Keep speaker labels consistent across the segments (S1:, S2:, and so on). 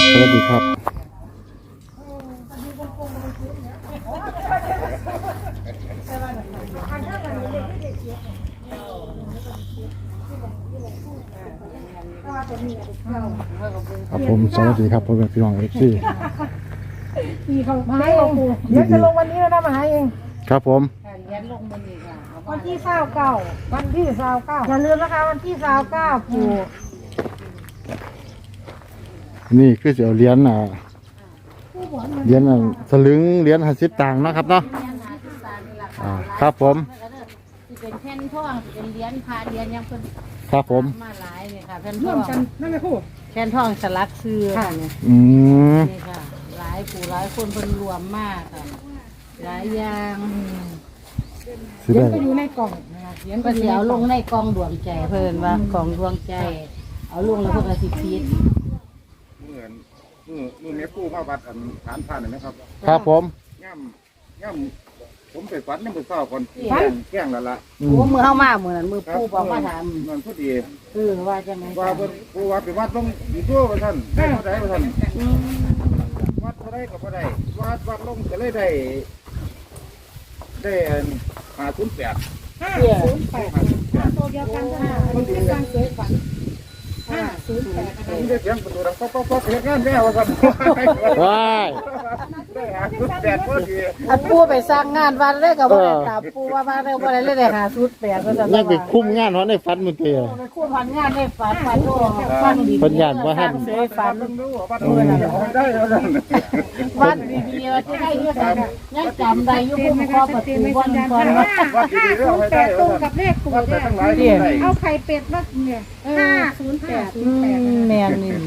S1: สวัสดีครับครับผมสวัสดีครับพ่อแม่พี่น้องเอฟซี
S2: มีเขามาให้เองเดี๋ยวจะลงวันนี้แล้วนะมาให้เอง
S1: ครับผม
S2: วันที่29วันที่29อย่าลืมนะคะวันที่29ปู่
S1: นี่คือจะเอาเหรียญเหรียญสลึงเหรียญ50 ตังค์นะครับเนาะครับผม
S3: เป็นแผ่นทองเป็นเหรียญพาเหรียญยังเป็น
S1: ครับผม
S3: มาหลายเนี่ยค่ะแผ่นท
S2: ร่
S3: อ
S2: วม
S3: ง
S2: กันนั่นแหละครู
S3: แผ่นทองสลักซื้อค่ะเนี่ย นี่ค่ะหลายปู่หลายคนเพิ่นรวมมากค่ะหลายอย่าง
S2: เหรียญก็อยู่ในกล่องนะคะเหรียญ
S3: ก็สิเอาลงในกองดวงใจเพิ่นว่ากองดวงใจ เอาลงแล้วเพิ่นก็สิพีด
S4: มือเมียกู้มาวัดฐานผ่านเลยนะครับ
S1: ครับผม
S4: ย่ำผมไปฝันยังไปเศร้าก่อนแก้งแล้วล่ะ
S3: โอ้มือเฮามามื้อนั้นมือปู่บอกมาถาม
S4: มันพอดี
S3: ว่าจังไง
S4: ว่าเพิ่นปู่ว่าไปวัดต้องอยู่ตัวว่าท่านได้เท่าใดว่าท่านวัดเท่าใดก็บ่ได้วัดลงก็เลยได้508
S2: ตัวเดียวกันค่ะมันเป็นการเสยฝัน508
S4: ผมได้เสียงประตูดังป๊อกๆเสียงงานแม่ว่าท่าน
S1: ว้าย
S4: ได้508พอดี
S3: อันปู่ไปสร้างงานวัดเลยก็บ่ได้ตามปู่ว่ามาได้บ่ได้เลยได้508ว่าซั่น
S1: ยังไปคุ้มงานในฝันมื้อกี้
S3: ไปคุ้มงานได้ฝันโตฟังดี
S1: เพิ่นย่านบ่ทัน
S3: เสยฝัน
S4: วัดได้แล้วท่าน
S3: วัดดีๆว่าจะได้อยู่ซั่นยังจำได้อยู่พุ่มคอประตูบ่อนก่อนว่า
S2: 508ตรงกับเลขปู่เนี่ยเอาไข่เป็ดมาเนี่ย508
S3: แม่นนี่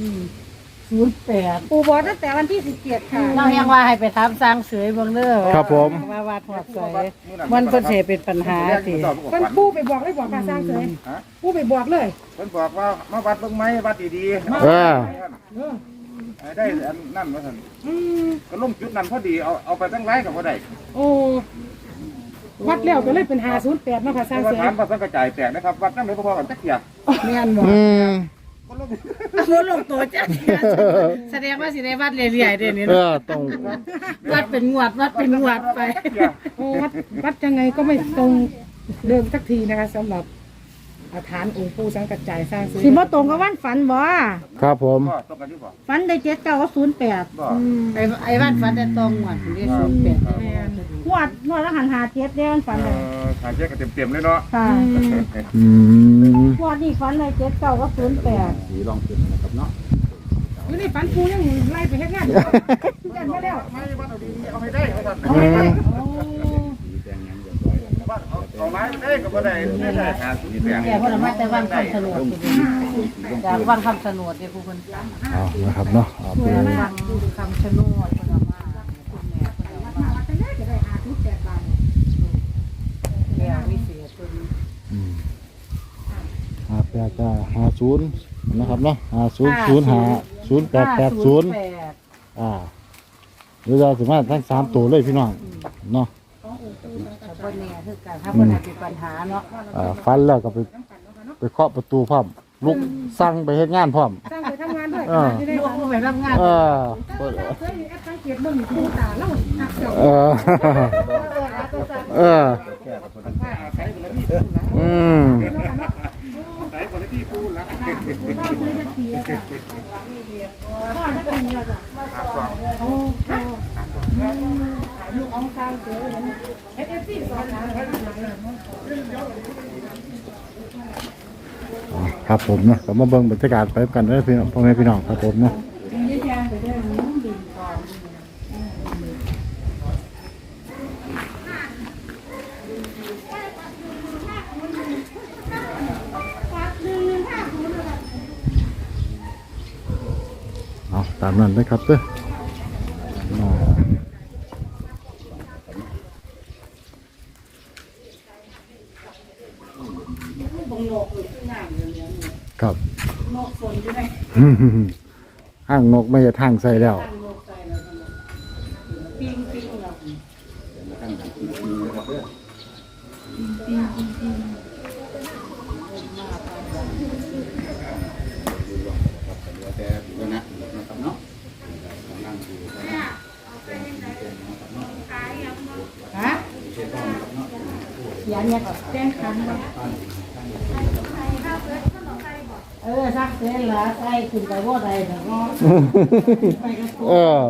S3: 08
S2: ปู่บอกตั้งแต่วันที่17ค่ะ
S3: เรายังว่าให้ไปถามสร้างเสยเบิ่งเด้อ
S1: ครับผม
S3: ว่าวัดหอดเสยมันเพิ่นสิเป็นปัญหาสิ
S2: มันปู่ไปบอกเลยบอกการสร้างเสยปู่ไปบอกเลย
S4: เพิ่นบอกว่ามาวัดเบิ่งไหมวัดดีๆได้นั่นว่าท่านก็ลงจุดนั้นพอดีเอาไปตั้งไรกับพอได้
S2: โอ้วัดแล้วก็เลยเป็น508มาค่ะสร้างเสย
S4: ถามภาษากระจายแตกนะครับวัดนั่นเลยพอกันจักเกียร์
S3: แม่นบ่บ่ลงตัวจักแสดงว่าสิได้วัดเรื่อยๆเด้นี่เนาะ
S1: ต้อง
S3: วัดเป็นงวดไป
S2: โอ้วัดยังไงก็ไม่ตรงเดิมสักทีนะคะสำหรับฐานองค์ปู่สังกัดจ่ายสร้างซื้อสิบ่ตรงกับวันฝันบ่
S1: ครับผม
S2: ฝันได้7 9 กับ08
S3: ไอ้วันฝันได้ตรงงวดนี่08
S2: งวดละหัน57เด้มันฝันเลย
S4: หาเช็คกันเต็มๆเลยเนาะ
S2: ค่ะงวดนี้ฝันได้7 9 กับ08
S4: สีลองขึ้นนะครับเนาะ
S2: อยู่ในฝันปู่ยังไล่ไปเฮ็ดงานยันมาแล้ว
S4: ไม่วัดเอาดีเอาให้ได้ครับเอาไม้ได้ก็บ่ได้ได้หาสุดแปลง
S3: แต่พอมาแต่วันคำสนดจากวันคำสนดเนี่ยผู้คน
S1: เอานะครับเนาะ
S3: เป็นวันคำชะโนดคนละมาคุณแม่คนละมาแล้ววิเศษตัวนี้
S1: จะ50นะครับเนาะ50050880หรือเราสามารถทั้ง3ตัวเลยพี่น้องเนาะ
S3: บนเนี่ยคือการถ้าคนอาจจะปัญหาเนาะ
S1: ฟันแล้วก็ไปเคาะประตูพร้อมลุกสั่งไปเฮ็ดงานพร้อม
S2: สั่งไปทำงานด้วย
S3: ลุกไปทำงาน
S2: สังเกตเบิ่งปู่ตาแล้ว
S4: ใส่คนที่ปูละ
S2: ลูกองค์กลางเสือFFC สอน
S1: ครับผมเนาะก็มาเบิ่งบรรยากาศไปกันได้พี่น้องพ่อแม่พี่น้องครับผมเนาะตามนั้นเลยครับเด้อครับห้างนกไม่จะทางใส่แล้ว
S4: ลือแต่ตัวนะครับเนาะนั่งดูนะ
S2: ฮะเขียนเนี่ยก็แจ้งคำว่า
S3: ซักเสร็จแล้วใส่ขึ้นไปว่าใดแต่ก็ไปกระตุ้
S1: เออ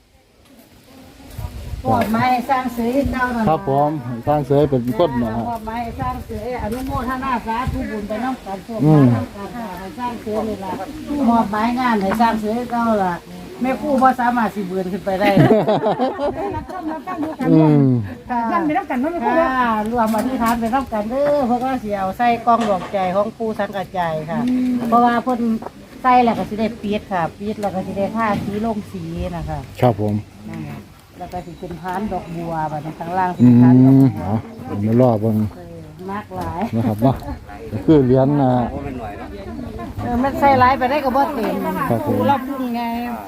S3: ปอดไม้สร้างเสือให้เจ้าหน่อย
S1: ครับผมทางเสยเป็นคนนะฮะ
S3: ปอดไม้สร้างเสืออนุโมทนาสาธุบุญไปน้ำกันพวก
S1: อืม
S3: น้ำกันให้สร้างเสือนี่ล่ะมอบไม้งานให้สร้างเสือให้เจ้าล่ะแม่ครู่พอสามารถสิเบือนขึ้นไปได้
S2: รับชมรับฟังดูกัน
S1: อืม
S2: นั่นไม่ต้องกันเนาะไม่พูด
S3: ค่ะรวมอธิษฐานไปน้ำกันเด้อเพราะว่าสิเอาใส่กล้องดวงใจของปู่สังกัดใจค่ะ เพราะว่าเพิ่นใส่แล้วก็สิได้ปิดค่ะปิดแล้วก็สิได้ผ้าสีลงสีนะคะ
S1: ครับผม
S3: นั่นแหละแล้วก็สิเป็นพานดอกบัวบัดนี้ข้างล่างสิ
S1: อื
S3: เป็นพานดอก
S1: ม
S3: บัว
S1: เอาผมมารอเบิ่ง
S3: มากหลาย
S1: นะครับเนาะก็คือเหรียญ
S3: มันใส่หลายไปได้ก็บ่เต็ม
S1: ครับผม
S3: เราพุ่งไง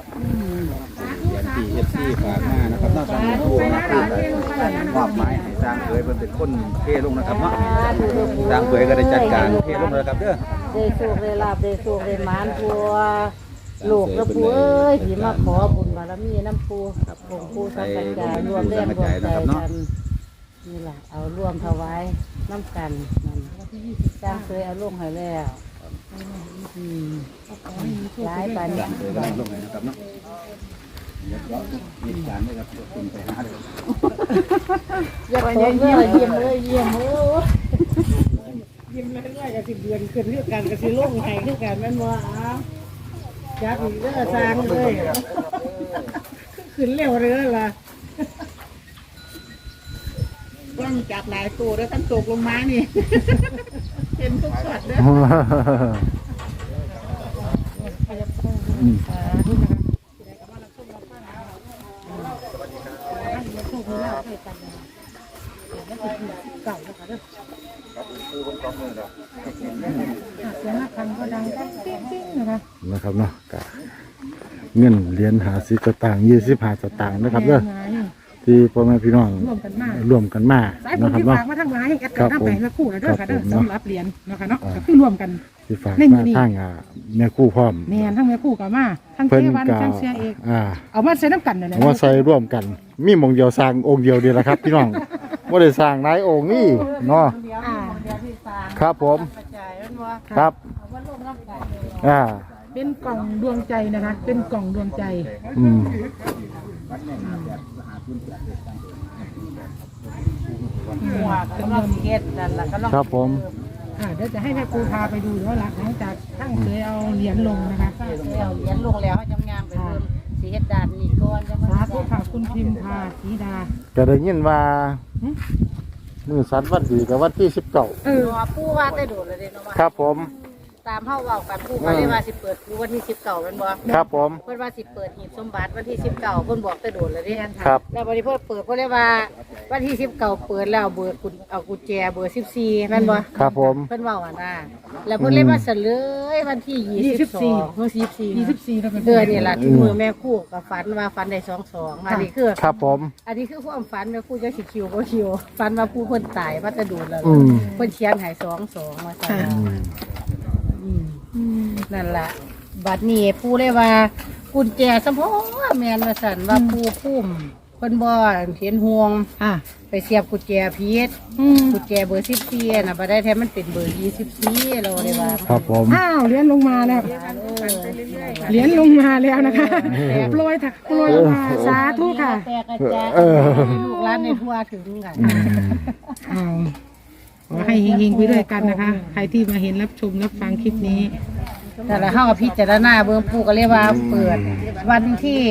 S4: เหรียญที่ฝากมานะครับนอกจากผู้นะครับมอบหมายให้สร้างเผยเป็นคนเทลงนะครับเนาะสร้างเผยก็ได้จัดการเทลงแล้วครับเด้อ
S3: ได้โชคได้ลาบได้โชคได้หมานพัวลูกและปูเอ้ยที่มาขอบุญบารมีน้ำปูองค์ปูสังกัดใจรวมแรงรวมใจกันนี่แหละเอาร่วมถวายน้ำกันนั่นสร้างเคยเอาลงให้แล้วหลายปานนี้
S4: เผยกำลังลงเลยนะครับเนาะเดี๋ยวมีการด้วยครับคุณไปหาเลย
S3: อย่าขอเมื่อเยี่ยมเลยเยี่ยมเลย
S2: ยิ้มเรื่อยๆกับสิเดือนขึ้นเรื่องการกับสิโล่งไห้คือกันแม่นว่าอ้าวจักอีกเด้อสร้างเลยขึ้นเร็วเลยล่ะ
S5: ต้องจับหลายตัวแล้วท่านตกลงมานี่ เห็นทุกช็อตเด้อ
S1: อืม
S2: เก่าแล้วค่ะเด้อเสียงระฆังก็ดังปิ๊งๆนะคะ
S1: นะครับเนาะก็เงินเหรียญ50สตางค์25สตางค์นะครับเด้อที่พ่อแม่พี่น้อง
S2: ร่วมกันมาก
S1: ร่วมกันมา
S2: สายบุญ
S1: นะครับ
S2: ที่
S1: เนาะ
S2: ฝากมาทั้งหลายให้แอดกันทำไปเมื่อคู่นะเด้อค่ะเด้อ
S1: ครับผม
S2: สำหรับเหรียญนะคะเนาะก็คือรวมกัน
S1: ที่ฝาก
S2: ในมื้
S1: มา
S2: อนี้
S1: ทางแม่ครู่พร้อม
S2: แม่นทั้งแม่คู่กับมาทั้งเท
S1: เพิ่น
S2: วัน
S1: ก็
S2: ทั้งเสียเอก เอามาใส่น้ำกันนั่นแหละ
S1: เอามาใส่ร่วมกัน มีหมองเดียวสร้างองค์เดียวเดียวละครับ พี่น้องบ่ได้สร้างหลายองค์นี่เนาะ
S3: เดี๋ยวที่สร้าง
S1: ครับผม
S3: กระจายมันว่า
S1: ครับ
S3: เอามาลงน้ำกัน
S2: เป็นกล่องดวงใจนะคะ เป็นกล่องดวงใจ
S1: อืม
S3: หัวกำลังสิเฮ็ดนั่นล่ะกำลัง
S1: ครับผม
S2: เดี๋ยวจะให้แม่ครูพาไปดูว่าหลังจากทั้งเคยเอาเหรียญลงนะคะ
S3: แล้วเหรียญลงแล้วเขาจำงามไปเพิ่มสิเฮ็ดด่านนี่ก่อนจะมา
S2: สาธุค่ะคุณพิมพาศรีดา
S1: ก็ได้ยินว่ามื้อสัตว์วันดีกับวันที่19
S3: ปู่ว่าได้โดดเลยเด้เนาะว่า
S1: ครับผม
S3: ตามเฮาเว้ากันปู่ก็เลยว่าสิเปิดปู่วันที่19แม่นบ่
S1: ครับผม
S3: เพิ่นว่าสิเปิดหีบสมบัติวันที่19เพิ่นบอกแต่โดดเลยเด้
S1: ครับ
S3: แล้วบัดนี้เพิ่นเปิดเพิ่นเลยว่าวันที่19เปิดแล้วเบอร์กุญเอากุญแจเบอร์14แม่นบ่
S1: ครับผม
S3: เพิ่นเว้าอ่ะนะแล้วเพิ่นเลยมาเสลยวันที่22เมื่อ14
S2: 24แล้วเป็น
S3: นี่ล่ะที่มือแม่คู่ก็ฝันว่าฝันได้22อันนี้คือ
S1: ครับผม
S3: อันนี้คือความฝันแม่คู่จะสิคิวบ่คิวฝันว่าผู้เพิ่นตายว่าจะโดดแล้ว
S1: อืม
S3: เพิ่นเขียนให้22มาซั่น นั่นแหละบัดนี้ผู้เลยว่ากุญแจสมพอแมนมาสั่นว่าผู้พุ่มเพิ่นบ่เห็นห่วง ไปเสียบกุญแจพีชกุญแจเบอร์14น่ะบ่ได้แท้มันเป็นเบอร์24เราเลยว่า
S1: ครับผม
S2: อ้าวเหรียญลงมาแล้วเหรียญลงมาแล้วนะคะโปรยถักโปรยลงมาสาธุค่ะ
S3: แตกกระจายลูกหลานในทั่วถึงกัน
S2: อ้าวขอให้เฮงๆไปด้วยกันนะคะ ใครที่มาเห็นรับชมรับฟังคลิปนี้
S3: แต่ละเฮาก็พิจารณาเบิ่งปู่ก็เลยว่าเปิดวันที่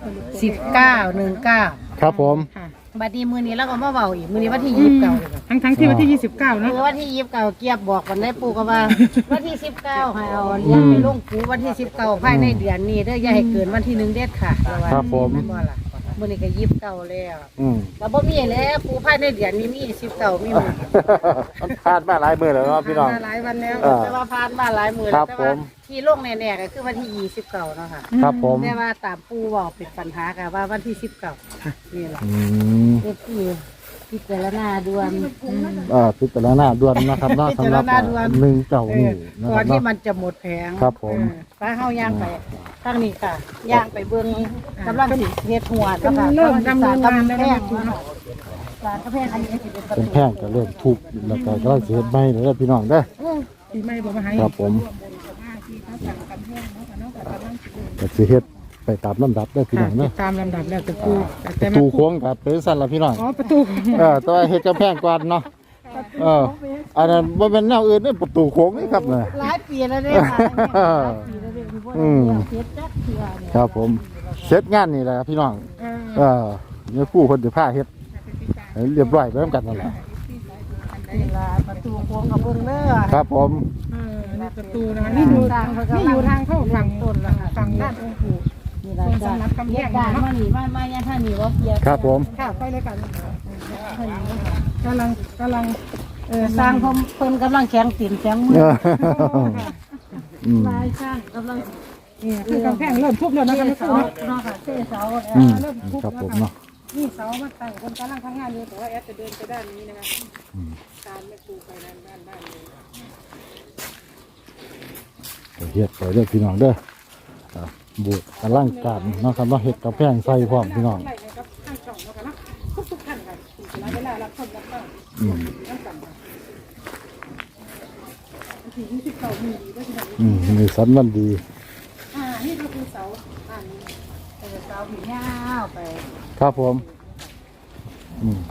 S3: 19
S1: ครับผม
S3: บัดนี้มื้อนี้เราก็มาเว้าอีกมื้อนี้วันที่29เลย
S2: ทั้งที่วันที่ 29
S3: เอ
S2: นะ
S3: อวันที่29เกียบบอกกันได้ปู่ก็ว่า วันที่19ให้เอาเหรียญไปลงปู่วันที่19ภายในเดือนนี้เด้ออย่าให้เกินวันที่1เด็ดค่ะ
S1: ครับผม
S3: แม่นบ่ล่ะมื้อนี้ก็29แล้ว
S1: อืม
S3: แล้วบ่มีแล้วปู่ภายในเดือนนี้มี19มีหมด
S1: มันพลาดมาหลายมื้อแล้วเนาะพี่น้อง
S2: มาหลายวันแล้ว
S3: แต่ว่าผ่านมาหลายมื้อ
S1: ครั
S3: แล้ว
S1: บ
S3: แต่
S1: ผ
S3: ว่าม ที่ลงแน่ๆก็คือวันที่29เนาะค่ะ
S1: ครับผม
S3: แต่ว่าตามปู่เว้าเป็นปัญหาก็ว่าวันที่19นี่แหละ
S1: อืม
S3: นี่คือพิจารณาด่วน
S1: พิจารณาด่วนนะครับเนาะสำหรับ1 เก่านี่นะ
S2: ก่
S1: ค
S2: อ
S1: รั
S2: น
S1: บ
S2: ที่
S1: เนาะ
S2: มันจะหมดแผง
S1: ครับผม
S2: ป้าเฮาย่างไปทางนี้ค่ะย่างไปเบิ่งกำลังสิเฮ็ดหัวแล้วค่ะ
S5: เริ่มดำเนินงานแล้วนะ
S2: สารกระแพงอันนี้สิเป็นประ
S1: เป็น
S2: ตู
S1: แพงก็เริ่มทุบแล้วก็กำลังสิเฮ็ดใหม่เด้อพี่น้องเด้อ
S5: ปีใหม่บ่มาให้
S1: ครับผมก็สิเฮ็ดไปตามลำดับเด้อพี่น้องเด้อ
S5: ตามลำดับแล้วตะปู
S1: ป
S5: แต่
S1: ระ
S5: แม่
S1: ตู
S5: ปู
S1: โค้งก็เป็นสั่นล่ะพี่น้อง
S5: อ๋อประตู
S1: แต่ว่าเฮ็ดกำแพงก่อนเนาะอันนั้นบ่แม่นแนวอื่นเด้อประตูโค้งนี่ครับน่ะ
S2: หลายปีแล้วเด้ค่ะหลายปีแล้วเด้ที่บ่ได้เฮ็ดจักเทื่อเนี่ย
S1: ครับผมเสร็จงานนี่แหละครับพี่น้องเนี่ยผู้คนจะพาเฮ็ดให้เรียบร้อยไปนำกันนั่นแหละ
S2: นี่ล่ะประตูโค้งกับเบิ่งเด้อ
S1: ครับผม
S5: นี่ประตูนะคะนี่อยู่ทางเข้าฝั่ง
S2: ต้นแล้วค่ะ
S5: ฝั่งด้านองค์ปู่
S2: นี่ล่ะจ้ะเฮ็ดการมานี่มาย่างท่านี่ว่าเกียร์
S1: ครับผม
S5: ค่ะไปเลยกัน
S2: ท่านี่ค่ะ
S5: กำลัง
S2: สร้างเพิ่นกำลังแข็งตีนแข็งมือ
S1: อืม
S2: ลายสร้างกำลัง
S5: นี่คือกำแพงเริ่มทุบแล้วนะคะ
S2: เท
S5: แม่
S2: เสา
S5: ปู
S2: เนาะค่ะเทเสา
S5: เริ่มทุบ
S1: ครับ
S5: แล้ว
S1: ผม
S5: ค่ะ
S1: เนาะ
S5: นี่เสามาตั้งคนกำลังทำงานอยู่แต่ว่าแอดจะเดินไปด้านนี้นะคะตามแม่ปูไปด้านนี้
S1: เฮ็ดไปเด้อพี่น้องเด้อบูดอลังการเนาะครับเนาะเฮ็ดกำแพงใส่พร้อมพี่น้อง
S5: ไล่ให้กับข้างช่องแล้วกันนะทุกท่านค่ะเวลารับคนรับฟัง
S1: อืม
S5: นั่งสั่งค่ะที29มีดีด้วยที่ไหน
S1: มีสันมันดี
S5: นี่ก็คือเสานี้
S2: เสาผียาวไป
S1: ครับผมอืม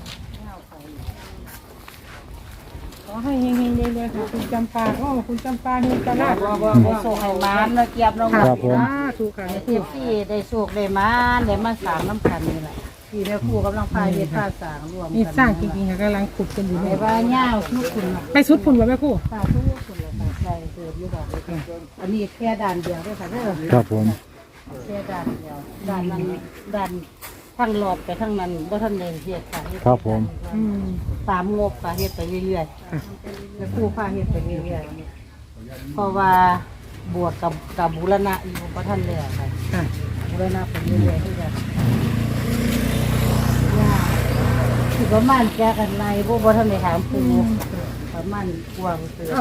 S5: ขอให้เฮงๆเลยค่ะคุณจำปาคุณจำปาเฮงตลาด
S2: ให้โศกให้มานแล้วเกียบลงมา
S1: ครับผม
S5: ถูกค่ะ
S2: ให้ที่ที่ได้โศกได้มานได้มาสร้างน้ำกันนี่แหละที่แม่ครูกำลังพายเฮ็ดพาสร้างรวมกัน
S5: นี่สร้างจริงๆค่ะกำลังขุดกันอยู่
S2: แต่
S5: เนี่ย
S2: ว่าย่าวทุกคน
S5: ไปสุดพุ่นว่าแม่ครู่
S2: ตาทุกคนเลยค่ะใส่เกิดอยู่ดอกอันนี้แค่ด่านเดียวด้วยค่ะเด้อ
S1: ครับผม
S2: แค่ด่านเดียวด่านนั้นด่านทั้งรอบไปทั้งนั้นบ่ทันได้เฮ็ดค่ะเฮ็ด
S1: ครับผม
S2: ตามงบค่ะเฮ็ดไปเรื่อยๆแม่ครูพาเฮ็ดไปเรื่อยๆเพราะว่าบวกกับบูรณะอยู่บ่ทันแล้วค่ะ
S5: ค่ะ
S2: บูรณะไปเรื่อยๆคือกันคือประมาณแกกันในบ่ทันได้ถามปูประมาณกว้างเตือ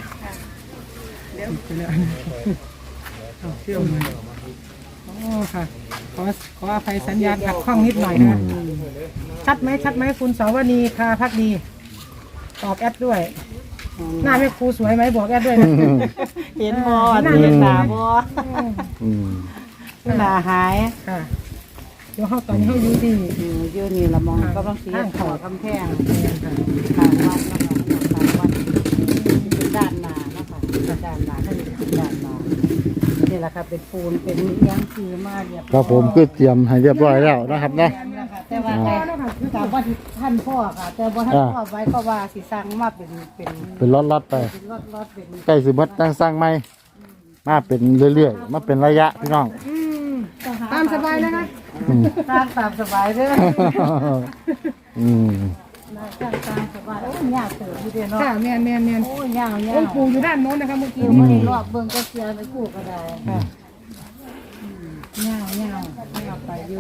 S5: เที่ยวมาอ๋อค่ะขออภัยสัญญาณขัดข้องนิดหน่อยนะชัดไหมคุณสาวนีคาพักดีตอบแอดด้วย หน้าแม่ครูสวยไหมบอกแอดด้วยนะ
S2: เห็นบ่เห็นหน้าบ่
S1: อืม
S2: หน้าหาย
S5: ค่ะเดี๋ยวเขาตอนนี้เขาอยู่ที่
S2: อยู่นี่ละมองกำลังสิขอกำแพงทางวัดนะคะทางวัดเป็นด้านหน้านะคะด้านหน้าท่านเป็นด้านหน้านี่แหละค่ะเป็นปูนเป็นยางคือมาเรียบ
S1: ครับผมคือเตรียมให้เรียบร้อยแล้วนะครับเนาะ
S2: แต่ว่าแต่ว่าที่ท่านพ่อค่ะ แต่ว่าท่านพ่อไว้ก็ว่าสิสร้างมาเป็น
S1: เป็นล็อตๆไป
S2: รถเป็น
S1: ใกล้สิหมดตั้งสร้างใหม่มาเป็นเรื่อยๆมาเป็นระยะพี่น้อง
S5: ตามสบายเลยนะ
S1: อืม
S2: สร้างตามสบายเด้อ
S1: อืม
S2: สร้างตามสบายโอ้ยยากเติบอยู่เด้เนาะ
S5: ค่ะแมน
S2: โอ้ยยาว
S5: องค์ปู่อยู่ด้านโน้นนะคะเมื่อกี้
S2: ไม่ได้รอบเบิ่งก็เสียไปกู้ก็ได้
S5: ค่ะ
S2: ยาวไปอยู่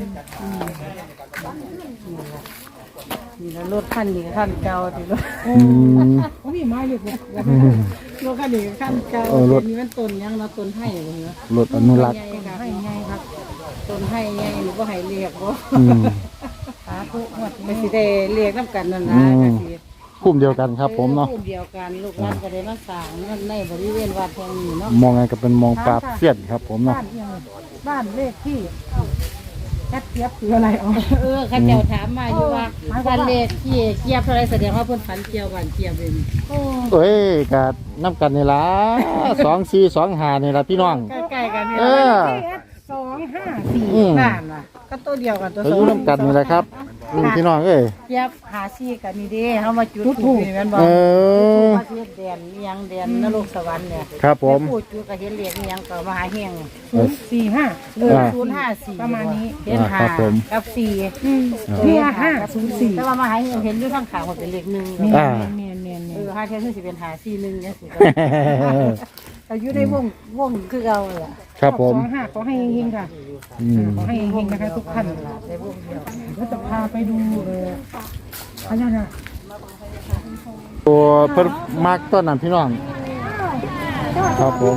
S2: นี่แล้วรถคันนี้คันเก่าที่รถ
S1: อืม
S5: เขามีไม้เลยเนี่ย
S2: รถคันนี้คันเก่า
S1: เออรถ
S2: นี่มันต้นยังเนาะต้นให้เลยเนาะ
S1: รถอนุรักษ์
S2: ใหญ่ค่ะให้ใหญ่ครับต้นให้ใหญ่หรือบ่ให้เรียกบ่
S1: อืม
S2: สาธุหมดก็สิได้เรียกนํกันนั่นนะก็สิ
S1: กลุ่มเดียวกันครับผมเนาะ
S2: กลุ่มเดียวกันลูกหลานก็ได้มาสร้างในบริเวณวัดแห่งนี้เนาะ
S1: มองไงก็เป็นมองปราบเสียนครับผมเนาะ
S5: บ้านเอียงบ้านเลขที่แอดเทียบคืออะไรอ๋อ
S2: ข้าเจ้าถามมาอยู่ว่าบ้านเลขที่เกียบเท่าไรแสดงว่าเพิ่นฝันเกี่ยวบ้านเกียบเอง
S1: เอ้ยกัน้ำกันนี่ล่ะ2425นี่ล่ะพี่น้อง
S2: ใกล้ๆกันนี่
S1: เอ
S2: ล่ะ
S1: อ
S5: 254
S2: บ้านว่ะก็ตัวเดียวกันตัว
S1: ไปอยู่น้ำกันนี่แหละครับพี่น้องเอ้ย
S2: เกียบหาซี่กันนี่เด้เฮามาจุดธูปนี่แม่นบ่
S1: เออ
S2: มาเฮ็ดแดนอีหยังแดนนรกสวรรค์เนี่ย
S1: ครับผม
S2: พูดจุดก็เห็นเลขอีหยังก็มหาเฮง
S5: 045
S2: 054
S5: ประมาณนี้
S2: เห็น
S1: ครับผม
S2: 5กับ4
S5: คือ504
S2: แต่ว่ามหาเฮงเห็นอยู่ข้างขางมันเป็นเลข1
S1: อ่า
S5: เมียน
S2: หาเทียนสิเป็นหา41จังซี่ก็อยู่ในวงคือเราล่ะ
S1: ครับผม
S5: 25ขอให้เฮงๆค่ะ
S1: อืม
S5: ขอให้เฮงๆนะคะทุกท่าน
S2: ในวงเดียว
S5: ก็จะพาไปดูพญานาค
S1: ตัวเพิ่นมักต้นนั้นพี่น้องครับผม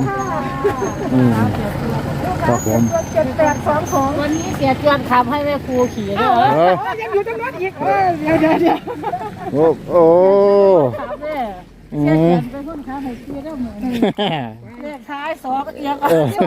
S1: ครับผม
S3: 7-8-2-2วันนี้เสียจวนขับให้แม่ครูขี่ด้วย
S5: ยังอยู่ตรงนั้นอีกเดี๋ยว
S1: โอ้
S3: ขับเนี่ยเสียจวนเป็นคนขับให้ขี่ได้เหมือนเลขท้าย2เอียง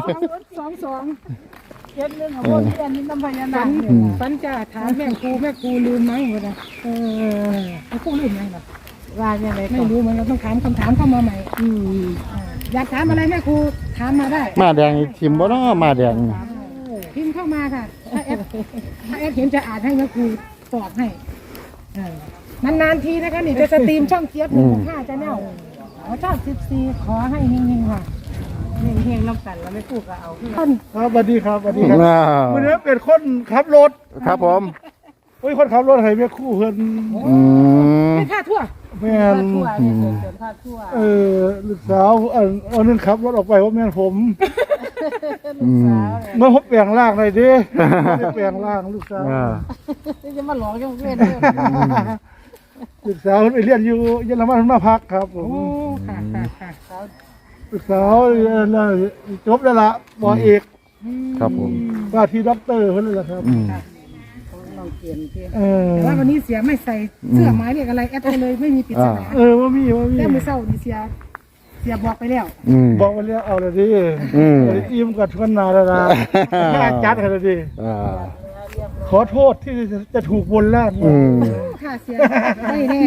S3: 2-2 7-1ของคนเรียนนี่น้ำพญานาค
S5: ฝันจะถามแม่ครูลืมไหมวะนะแม่ครูลืมยังหรอ
S3: ว่ายังไง
S5: ไม่รู้มันเราต้องถามคำถามเข้ามาใหม่อยากถามอะไรแม่ครูถามมาได้
S1: มาแดงนี่ทิมบ่เนาะมาแดง
S5: พิมพ์เข้ามาค่ะถ้าแอดเห็นจะอ่านให้แม่ครูตอบให้นานๆทีนะคะนี่จะสตรีมช่องเจี๊ยบ165จะแนวชอบ14ขอให้เฮงๆค่ะ
S3: เฮงๆน้ำกันแล้วไม่พูดก็เอาขึ้น
S2: ครับสวัสดีครับสวัสดีครับ
S1: ว้าว
S2: วันนี้เป็นคนขับรถ
S1: ครับผม
S2: โอ้ยคนขับรถให้แม่ครู่เพิ่น
S5: ไม่ค่าทั่ว
S2: แม่น
S3: ทั่วนี่เกินพาทั่ว
S2: ลูกสาวเอานึงขับรถออกไปว่าแม่นผม
S3: ลูกสาวเลย
S2: เมื่อผมแปลงร่างหน่อยดิไม่ได้แปลงร่างลูกสาว
S3: นี่จะมาหลอกยังเล่น
S2: ลูกสาวไปเรียนอยู่เยอรมันมาพักครับผม
S5: โอ้ค่ะ
S2: ลูกสาวจบแล้วล่ะปอเอก
S1: ครับผม
S2: ว่าที่ด็อกเตอร์เพิ่นนั่นแหละครับ
S3: ลองเปลี่ยนเพียง
S5: แต่ว่าวันนี้เสียไม่ใส่เสื้อหมายเลขอะไรแอดไปเลยไม่มีปริศนา
S2: ว่ามี
S5: แต่มือเศร้านี่เสียบอกไปแล้ว
S2: บอกมาแล้วเอาเลยดิอิ่มกับทวนนาแล้วนะจัดให้เลยดิขอโทษที่จะถูกบนล่าง
S5: ค่ะเสียไม่แน่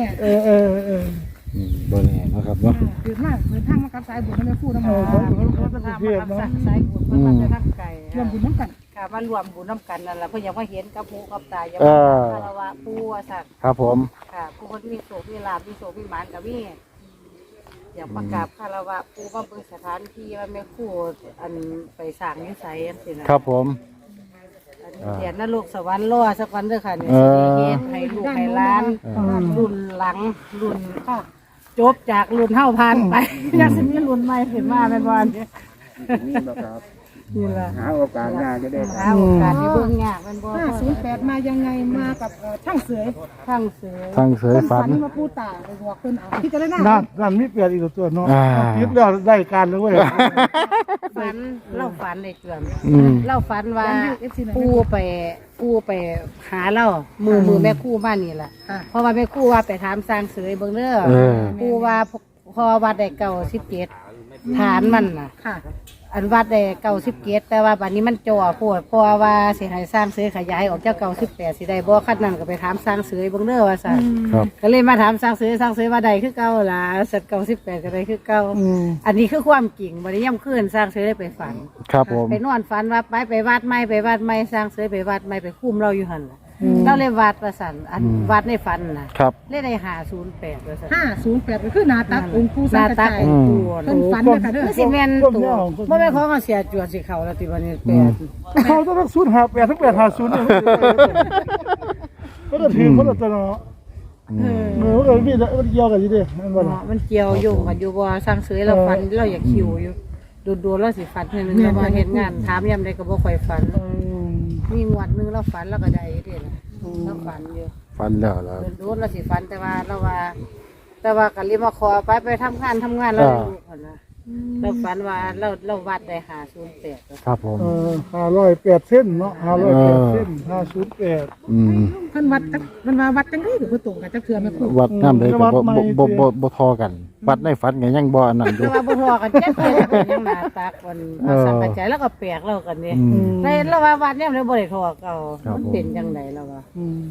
S1: บ่แน่นะครับเนาะ
S5: เดือดมากเดินทางมากับสายบุญไม่พูดน้ำ
S2: เขา
S5: มัน
S2: เขาเป็นเทพเนาะ
S3: สายบุญมันจะทักไก่
S5: รวมบุญน้ำกัน
S3: ค่ะมารวมบุญน้ำกันนั่นแหละเพื่อยังว่าเห็นกับหูกับตายังคารวะผู้ว่าสัตว์
S1: ครับผม
S3: ค่ะผู้คนมีโศกมีลาบมีโศกมีหมานกับมีอยากประกาศคารวะผู้ว่าเบิ่งสถานที่ว่าแม่ครู่อันไปสร้างนิสัยอันสินะครับ
S1: ผม
S3: เดียนนรกสวรรค์รอสักวันเด้อค่ะเนี่ยสิเฮ็ดให้ลูกให้หล้านรุ่นหลังรุ่นจบจากรุ่นเฮาผ่านไปยังสิมีรุ่นใหม่ขึ้นมาเป็นวันนี้
S4: นี่นะครับ
S3: นี่ล่ะ
S4: หาโอกาสงานจะได้
S3: หาโอกาสที่เบิ่งยากเป็นบ่
S5: 508มายังไงมากับช่างเสือ
S3: ทั้งเสือ
S1: ทางเสยฝัน
S5: มาพูดตาไปบอกเพิ่นเอาพี่จะได้หน้า
S2: นั่นมีเปลี่ยนอีกตัวเนาะคิดแล้วได้การเลยเว้ย
S3: ฝันเล่าฝันในเจือน
S1: อืม
S3: เล่าฝันว่าปูไปหาเล่ามือแม่ครู่บ้านนี่แหละเพราะว่าแม่ครู่ว่าไปถามสร้างเสือเบิ่งเด้อปูว่าพอวัดได้97ฐานมันน่ะ
S5: ค่ะ
S3: อันวัดได้97แต่ว่าบัดนี้มันจ่อโพดเพราะว่าสิให้สร้างเสือขยายออกจาก98สิได้บ่คันนั้นก็ไปถามสร้างเสือเบิ่งเด้อว่าซั่น
S1: ครับ
S3: ก็เลยมาถามสร้างเสือว่าใดคือเก่าล่ะสัตว์98ก็ได้คือเก่าอันนี้คือความจริงบัดนี้ย่ำคืนสร้างเสือได้ไปฝัน
S1: ครับผม
S3: ไปนอนฝันว่าไปวัดไม่สร้างเสือไปวัดไม่ไปคุ้มเราอยู่หันล่ะเราเลยวัดประสันอันวัดในฝันนะครับ เลยได้508ประสัน
S5: 508ก็คือหน้าตักองค์ปู่
S3: ห
S5: สั
S3: น้าง
S5: กระ
S3: ตัก
S5: จาย
S3: องค์ปู่
S5: เพิ่นฝันนะคะเด้อ
S3: คือสิแม่นตัวบ่แม่นของเสียจวดสิเขาแล้วติบัดนี้8
S2: เขาต้อง058ทั้ง850เนี่ยก็จะถือเขาจะเนาะมันมีมันเกี่ยวกันอยู่ดิมันบ่ล่ะ
S3: มันเกี่ยวโยงกันอยู่บ่สร้างเสือเราฝันเราอยากคิวอยู่ดูเราสิฝันเทื่อนึงเราบ่เฮ็ดงานถามยามใดก็บ่ค่อยฝันมีงวดนึงเราฝันเราก็ได้เด้ล่ะเราฝันอยู่
S1: ฝันแล้วแล้ว
S3: โดนเราสิฟันแต่ว่าก็รีบมาขอไปทำงานแล้วลูกคนนะเราฝันว่าเราวัดได้508
S1: ครับผม
S2: 508เส้นเนาะ508เส้น508
S5: เพิ่นวัดจังได๋ก็บ่ตรงกันจักเทื่อแม่ครู
S1: วัดน้ำได้ก็บ่ทอกัน วัดในฝันก็ยังบ่อันนั้นอยู่
S3: แต่ว่าบ่ทอกันแค่ยังหน้าตักมันสังกัดใจแล้วก็แปลกเรากันนี่ในเราว่าวัดเนี่ยมันบ่ได้ทอเก่ามันเป็นจังไดแล้วว่า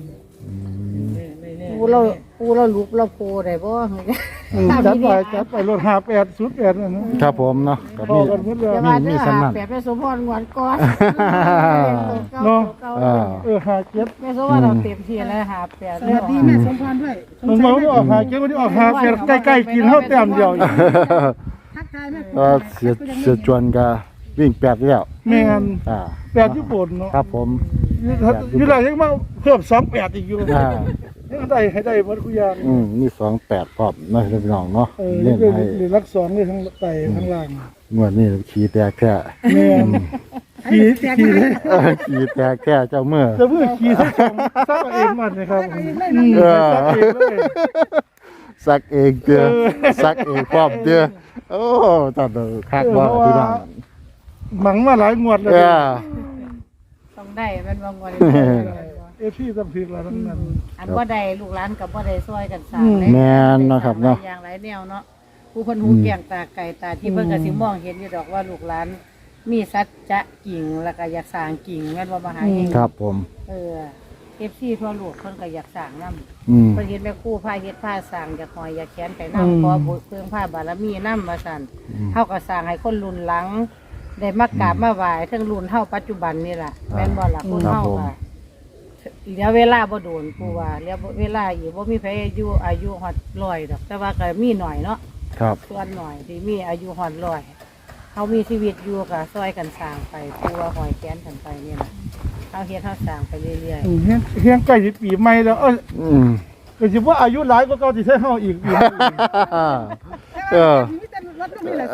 S3: ปูเราลุกเราโพได้บ่
S2: จัดไปรถ5808นั่นนะครับ
S1: ผมเนาะก็
S2: พอ
S1: มี
S2: กันหมดแล้ว
S1: มีสำนัก
S3: แปดแม่สมพรงอนก่อน
S2: เนาะ
S3: แม่สมพรเราเต็มที่แล้วหาแปด
S5: สวัสดีแม่สมพรด้วย
S2: มันมาไม่ออก57มันออก58ใกล้ๆกินเฮาแต้มเดียว
S5: ทักทายแม่
S1: ก็เสียจวนก็วิ่ง8แล้ว
S2: แม่น
S1: อ่า
S2: 8ญี่ปุ่นเนาะ
S1: ครับผม
S2: อยู่ได้ยังมาเพิ่ม28อีกอยู่
S1: อ่า
S2: ยังได้ให้ได้หมดทุกอย่าง
S1: มี28พร้อมเนาะพี่น้องเนาะ
S2: เล่
S1: เล่
S2: น
S1: นให้
S2: หรือรัก2เลยทั้งไตทั้งล่าง
S1: งวดนี้ขี่แตกแท้
S2: แม่น
S5: ขี่แตกไหม
S1: ขี่แตกแค่เจ้าเมื่อ
S6: จะเมื่อขี่สักซักเองมันนะครับ
S1: เออ
S6: ซักเองเลย
S1: ซักเองเด้อซักเองพร้อมเด้อโอ้ตัดคักว่าพี่น้อง
S6: หมังมาหลายงวดเลย
S1: เออ
S2: ต้องได้เป็นบางวัน
S6: พี่ต้องพิกแล้วทั้งนั้น
S2: อันบ่ได้ลูกหลานกับบ่ได้ซอยกันสร้าง
S1: แม่นเนาะครับเนาะ
S2: อย่างหลายแนวเนาะผู้คนหูเกียงตาไก่ตาที่เพิ่นก็สิมองเห็นอยู่ดอกว่าลูกหลานมีสัจจะกิ่งแล้วก็อยากสร้างกิ่งแม่นบ่มาหาเอง
S1: ครับผม
S2: FC ทั่วโลกเพิ่นก็อยากสร้างนำ
S1: อืม
S2: เพิ่นเห็นแม่ครูพาเฮ็ดพาสร้างอยากหอยอยากแขนไปนำขอบุญเพิ่งพาบารมีนำว่าซั่นเฮาก็สร้างให้คนรุ่นหลัง ได้มากราบมาไหว้ทั้งรุ่นเฮาปัจจุบันนี่ล่ะแม่นบ่ล่ะคนเฮาค่ะเหลือเวลาบ่โดนปูว่าเหลือเวลาอีกบ่มีไผอายุฮอด100ดอกแต่ว่าก็มีหน่อยเนาะ
S1: ครับ
S2: ส่วนหน่อยที่มีอายุฮอด100เฮามีชีวิตอยู่ก็ซอยกันสร้างไปปูว่าหอยแขนกันไปนี่ล่ะเฮาเฮ็ดเฮาสร้างไปเรื่อย
S6: เฮียงใกล้สิปีใหม่แล้ว
S1: อืม
S6: ก็สิว่าอายุหลายก็เก่าสิใช้เฮาอีก
S1: เออ
S5: มีแต่รถก็มีแหละ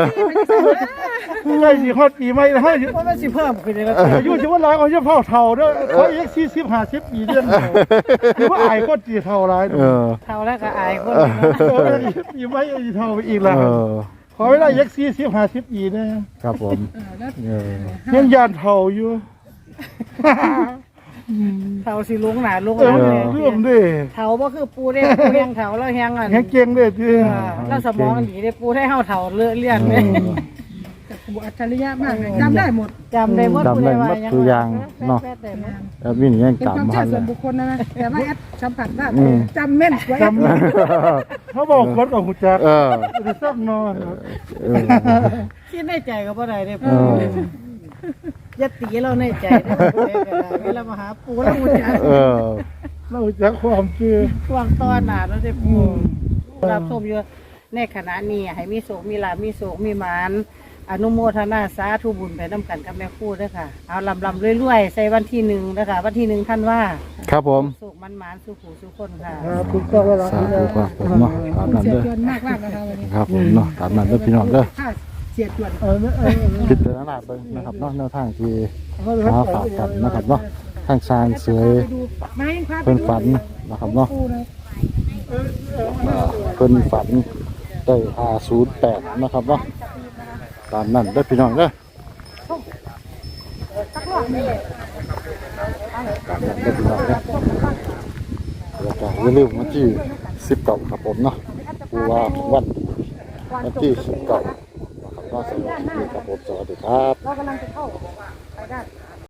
S6: ใกล้สิฮอดปีใหม่แล้วเฮาสิ
S2: ๆบ่ว่าสิเพิ่มขึ้นเลย
S6: อายุสิว่าหลายเอาสิเฒ่าเฒ่าเด้อขออีก40 50ปีเดือนสิว่าอายคนสิเฒ่าหลาย
S1: เออ
S2: เท่าแล้วก็อายคน
S6: ปีใหม่สิเฒ่าไปอีกแล้ว
S1: เออ
S6: ขอเวลาอีก40 50ปีนะครับ
S1: ผมเออ
S6: ยังยานเฒ่าอยู่
S2: เท่าสิลงหน้าลง
S6: เอ
S2: หลัง
S6: อ
S2: เลย
S6: เรื่องเด้
S2: เท่าบ่คือปูได้ปูแฮงเท่าแล้วแฮงอัน
S6: แฮงเก่งเด้ติ
S2: แล้วสมองดีได้ปูให้เฮาเท่าเลื่อนเลย
S5: บุอัจฉริยะมากเลยจำได้หมด
S2: จำได้หมด
S1: จำได้หมดทุกอย่างเนาะ
S2: แป๊ดๆได้หมด
S1: แล้วมีนี่ยัง
S5: เป็นความ
S1: จำ
S5: เชื่
S1: หั
S5: อน
S1: เล
S5: ส่วน
S1: ย
S5: บุคคลนะแต่ว่าแอดสัมผัสได้
S1: อืม
S5: จำแม่นกว่าแอด
S6: เขาบอกคนกับหูจัก
S1: เออ
S6: สิซักนอน
S1: เออ
S2: คิดในใจก็บ่ได้เด้
S1: เอ
S2: ปู
S1: อ
S2: อย่าตีเราในใจเด้ก็ได้เวลามาหาปูแล้วปูจะ
S1: เออ
S6: เราหูจักความคือ
S2: ช่วงตอนหน้าแล้วได้ปูรับชมอยู่ในขณะนี้ให้มีโศกมีลาภมีโศกมีหมานอนุโมทนาสาธุบุญไปน้ำกันกับแม่ครูด้วยค่ะ เอาลำรวยๆใส่วันที่1นะคะวันที่1ท่านว่า
S1: ครับผม
S2: สุขมันหมานสุขหูสุขคนค่ะ
S6: ถูกต้องแล้ว
S1: สาธุครับผมเนาะตามนั้น
S5: เสีย
S1: เด้อ
S5: จวนมากมากนะคะวันนี้
S1: ครับผมเนาะตามนั้นเด้อพี่น้องเด้อ
S5: ค่าเสียจวน
S1: พิจารณาเบิ่งนะครับเนาะแนวทางที่หาฝากกันนะครับเนาะทางสร้างเสย
S5: ไปดูไม้พาไป
S1: เพิ่น
S5: ดู
S1: ฝันนะครับเนาะ
S5: ปูเลย
S1: เพิ่นฝันได้508นะครับเนาะตามนั้นเด้อพี่น้องเด้อตามนั้นเด้อพี่น้องเด้อแล้วก็อย่าลืมวันที่19ครับผมเนาะผู้ว่าวันที่19นะครับก็สำหรับคลิปนี้ครับผมสวัสดีครับ
S5: เรากำลังจะเข้าไปได้